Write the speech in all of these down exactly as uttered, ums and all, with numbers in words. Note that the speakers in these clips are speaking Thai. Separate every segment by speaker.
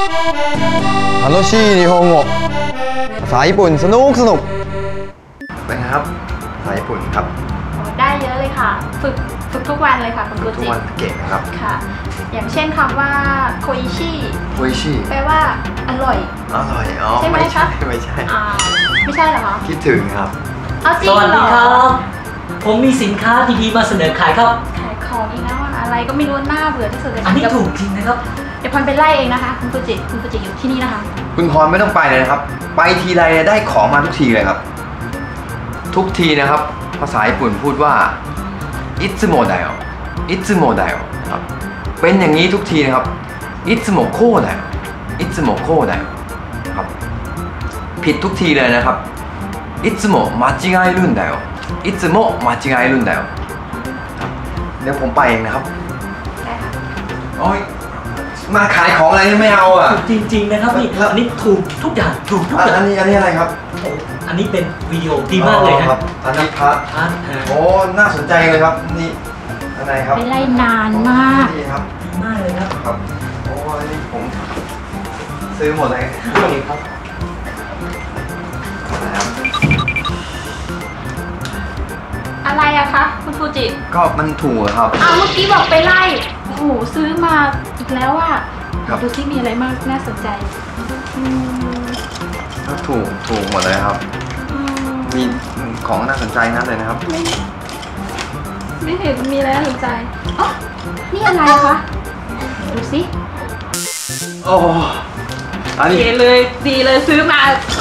Speaker 1: 楽しい日本語ภาษาญี่ปุ่นสนุกสนุกเป็นไงครับภาษาญี่ปุ่นครับ
Speaker 2: ได้เยอะเลยค่ะฝึกฝึกทุกวันเลยค่ะคุณกุจิ
Speaker 1: ทุกวันเก่งครับ
Speaker 2: ค่ะอย่างเช่นคำว่าโคอิชิ
Speaker 1: โคอิชิ
Speaker 2: แปลว่าอร่อย
Speaker 1: อร่อยอ๋อ
Speaker 2: ใช่ไหมคะ
Speaker 1: ไม่ใช่
Speaker 2: ไม่ใช่เหรอคะ
Speaker 1: คิดถึงครับ
Speaker 2: เอาจริงเหรอ
Speaker 3: สวัสดีครับผมมีสินค้าดีๆมาเสนอขายครับ
Speaker 2: ขายของอีกแล้วอะไรก็ไม่รู้หน้าเบื่อที่สุดเลย
Speaker 3: อันนี้ถูกจริงนะครับ
Speaker 2: เดี๋ยวพรไปไล่เองนะคะคุณกุจิคุณกุจิอยู่ที่นี่นะคะ
Speaker 1: คุณพรไม่ต้องไปเลยนะครับไปทีไรได้ของมาทุกทีเลยครับทุกทีนะครับภาษาญี่ปุ่นพูดว่าอิตสึโมะไดโออิตสึโมะไดโอครับเป็นอย่างนี้ทุกทีนะครับอิตสึโมะโคไดโออิตสึโมะโคไดโอครับผิดทุกทีเลยนะครับอิตสึโมะมาจิกาเอรุนไดโออิตสึโมะมาจิกาเอรุนไดโอครับเดี๋ยวผมไปเองนะครับ
Speaker 2: ได้ค่ะ
Speaker 1: โอ้ยมาขายของอะไรไม่เอาอ่ะ
Speaker 3: จริงๆนะครับนี่อันนี้ถูกทุกอย่างถูกทุกอย่าง
Speaker 1: อันนี้อันนี้อะไรครับ
Speaker 3: อันนี้เป็นวิดีโอดีมากเลยนะครับ
Speaker 1: อันนี้พัดโอ้น่าสนใจเลยครับนี่อะไรครับ
Speaker 2: ไปไล่นานมาก
Speaker 1: ดีครับ
Speaker 3: ดีมากเลยครับ
Speaker 1: ครับโอ้อันนี้ผมซื้อหมดเลยครับ
Speaker 2: อะไรอะคะคุณฟูจิ
Speaker 1: ก็มันถูกครับ
Speaker 2: อ้าวเมื่อกี้บอกไปไล่โอ้โหซื้อมาอีกแล้วอะดูที่มีอะไรมากน่าสนใจ
Speaker 1: ก็ถูกถูกหมดเลยครับมีของน่าสนใจนั่นเลยนะครับ
Speaker 2: ไม่ไม่เห็นมีอะไรน่าสนใจอ๋อนี่อะไรคะดูสิ
Speaker 1: โอ้อันนี้
Speaker 2: ดีเลยดีเลยซื้อมา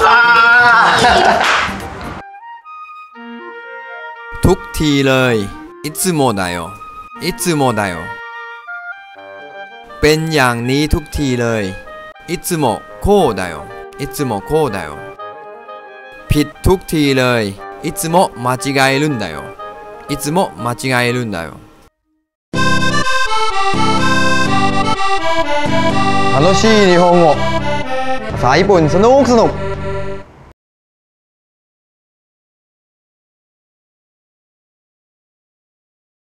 Speaker 1: ทุกทีเลยいつもだよいつもだよเป็นอย่างนี้ทุกทีเลยいつもこうだよいつもこうだよผิดทุกทีเลยいつも間違えるんだよいつも間違えるんだよ楽しい日本語ภาษาญี่ปุ่นสนุกสนุก